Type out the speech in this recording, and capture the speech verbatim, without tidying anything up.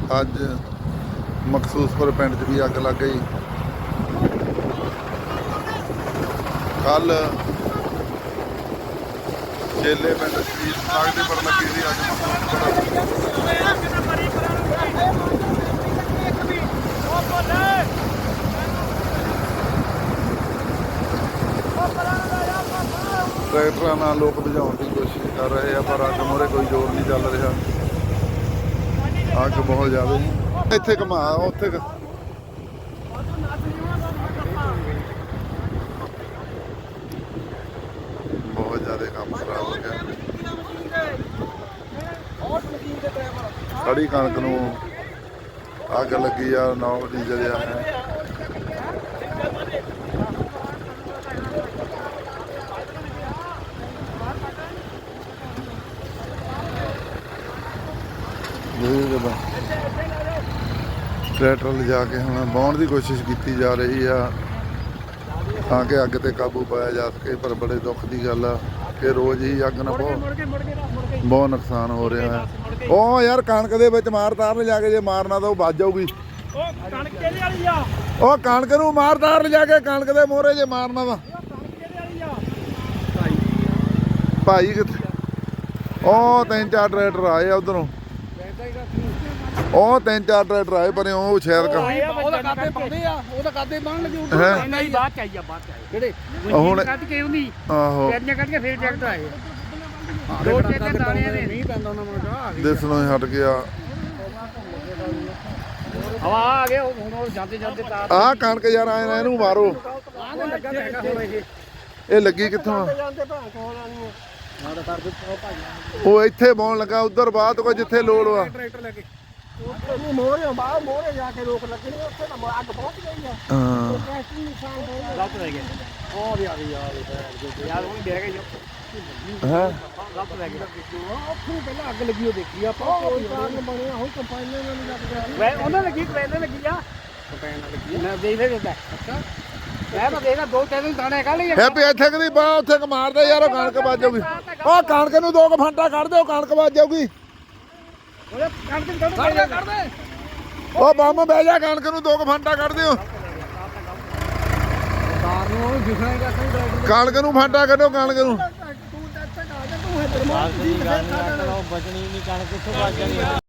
ਅੱਜ ਮਖਸੂਸਪੁਰ ਪਿੰਡ 'ਚ ਵੀ ਅੱਗ ਲੱਗ ਗਈ। ਕੱਲ ਚੇਲੇ ਪਿੰਡ ਸ਼ਹੀਦ ਸਮਾਗਮ ਦੀ ਪਰ ਲੱਗੀ ਸੀ। ਅੱਜ ਮਖਸੂਸਪੁਰ ਟਰੈਕਟਰਾਂ ਨਾਲ ਲੋਕ ਬੁਝਾਉਣ ਦੀ ਕੋਸ਼ਿਸ਼ ਕਰ ਰਹੇ ਆ, ਪਰ ਅੱਗ ਮੂਹਰੇ ਕੋਈ ਜ਼ੋਰ ਨਹੀਂ ਚੱਲ ਰਿਹਾ। ਅੱਗ ਬਹੁਤ ਜ਼ਿਆਦਾ ਇੱਥੇ ਘਮਾ ਉੱਥੇ ਬਹੁਤ ਜ਼ਿਆਦਾ ਕੰਮ ਖਰਾਬ ਹੋ ਗਿਆ। ਖੜੀ ਕਣਕ ਨੂੰ ਅੱਗ ਲੱਗੀ ਆ, ਨੌ ਦੀ ਜਲਿਆ ਹੈ। ਟਰੈਕਟਰ ਲਿਜਾ ਕੇ ਹੁਣ ਬਾਉਣ ਦੀ ਕੋਸ਼ਿਸ਼ ਕੀਤੀ ਜਾ ਰਹੀ ਆ ਤਾਂ ਕਿ ਅੱਗ ਤੇ ਕਾਬੂ ਪਾਇਆ ਜਾ ਸਕੇ, ਪਰ ਬੜੇ ਦੁੱਖ ਦੀ ਗੱਲ ਆ ਕਿ ਰੋਜ਼ ਹੀ ਅੱਗ ਨਾਲ ਬਹੁਤ ਬਹੁਤ ਨੁਕਸਾਨ ਹੋ ਰਿਹਾ ਹੈ। ਉਹ ਯਾਰ ਕਣਕ ਦੇ ਵਿੱਚ ਮਾਰ ਤਾਰ ਲਿਜਾ ਕੇ, ਜੇ ਮਾਰਨਾ ਤਾਂ ਉਹ ਵੱਜ ਜਾਊਗੀ। ਉਹ ਕਣਕ ਨੂੰ ਮਾਰ ਤਾਰ ਲਿਜਾ ਕੇ, ਕਣਕ ਦੇ ਮੋਹਰੇ ਜੇ ਮਾਰਨਾ ਵਾ। ਭਾਈ ਕਿੱਥੇ? ਉਹ ਤਿੰਨ ਚਾਰ ਟਰੈਕਟਰ ਆਏ ਆ ਉਧਰੋਂ, ਉਹ ਤਿੰਨ ਚਾਰ ਟਰੈਕਟਰ ਆਏ ਪਰ ਉਹ ਸ਼ਾਇਦ ਉਹਦਾ ਕਾਦੇ ਪਾਉਂਦੇ ਆ, ਉਹਦਾ ਕਾਦੇ ਬੰਨ ਲੱਗੇ ਉੱਧਰ। ਨਹੀਂ ਬਾਅਦ ਚ ਆਈ ਆ, ਬਾਅਦ ਚ ਆਏ ਕਿਹੜੇ ਹੁਣ ਕੱਢ ਕੇ ਉਹਦੀ ਆਹੋ ਪੈਰੀਆਂ ਕੱਢ ਕੇ ਫੇਰ ਟਰੈਕਟਰ ਆਏ। ਦੋ ਟਰੈਕਟਰ ਦਾਣਿਆਂ ਦੇ ਨਹੀਂ ਪੈਂਦਾ ਉਹਨਾਂ ਨੂੰ, ਦਿਸਣੋਂ ਹਟ ਗਿਆ। ਹਵਾ ਆ ਗਿਆ ਹੁਣ, ਉਹ ਜਾਂਦੇ ਜਾਂਦੇ ਤਾਰ ਆਹ ਕਣਕ ਯਾਰ ਆਏ ਨਾ, ਇਹਨੂੰ ਮਾਰੋ। ਲੱਗਾ ਹੈਗਾ ਹੁਣ ਇਹ ਇਹ ਲੱਗੀ ਕਿੱਥੋਂ? ਜਾਂਦੇ ਭਾਂ ਕੋਲ ਆਣੀ ਮਾੜਾ ਕਰ ਦੇ ਉਹ ਇੱਥੇ ਬਾਉਣ ਲੱਗਾ, ਉਧਰ ਬਾਅਦ ਕੋਈ ਜਿੱਥੇ ਲੋੜ ਵਾ। ਟਰੈਕਟਰ ਲੈ ਕੇ ਉਹ ਮੋਹਰੇ ਬਾਹਰ ਮੋਹਰੇ ਜਾ ਕੇ ਰੋਕ ਲੱਗਣੀ, ਉੱਥੇ ਤਾਂ ਅੱਗ ਪਹੁੰਚ ਗਈ ਆ। ਹਾਂ ਟਰੈਕਟਰ ਨਿਸ਼ਾਨ ਹੋਇਆ ਗਲਤ ਰਹਿ ਗਿਆ। ਉਹ ਵੀ ਆ ਗਈ ਯਾਰ, ਯਾਰ ਉਹ ਬਹਿ ਗਈ ਹੈ ਗਲਤ ਰਹਿ ਗਿਆ। ਉੱਥੇ ਪਹਿਲਾਂ ਅੱਗ ਲੱਗੀ ਉਹ ਦੇਖੀ ਆਪਾਂ, ਕੋਈ ਕਾਰਨ ਬਣਿਆ ਹੁਣ ਕੰਪਾਈਨਰ ਨਾਲ ਨਹੀਂ ਲੱਗ ਗਿਆ। ਵੇ ਉਹਨਾਂ ਲੱਗੀ ਕੰਪਾਈਨਰ ਲੱਗੀ ਆ, ਕੰਪਾਈਨਰ ਲੱਗੀ ਆ। ਮੈਂ ਦੇਖ ਲੈ ਦਿੰਦਾ। ਅੱਛਾ ਮੈਂ ਤਾਂ ਦੇਖਦਾ ਦੋ ਤਿੰਨ ਦਾਣੇ ਕੱਢ ਲਈ। ਹੈਪੀ ਇੱਥੇ ਕਦੀ ਬਾ ਉੱਥੇ ਕ ਮਾਰਦੇ ਯਾਰ, ਉਹ ਕਣਕ ਵੱਜ ਜਾਊਗੀ। ਉਹ ਕਣਕ ਨੂੰ ਦੋ ਕੁ ਫੰਟਾ ਕੱਢ ਦਿਓ, ਕਣਕ ਵੱਜ ਜਾਊਗੀ। ਉਹ ਬੰਮ ਬਹਿ ਜਾ, ਕਣਕ ਨੂੰ ਦੋ ਕੁ ਫੰਟਾ ਕੱਢ ਦਿਓ। ਕਣਕ ਨੂੰ ਫਾਂਟਾ ਕੱਢੋ, ਕਣਕ ਨੂੰ। ਬਚਣੀ ਨਹੀਂ ਕਣਕ, ਕਿੱਥੋਂ ਵੱਜ ਜਾਣੀ।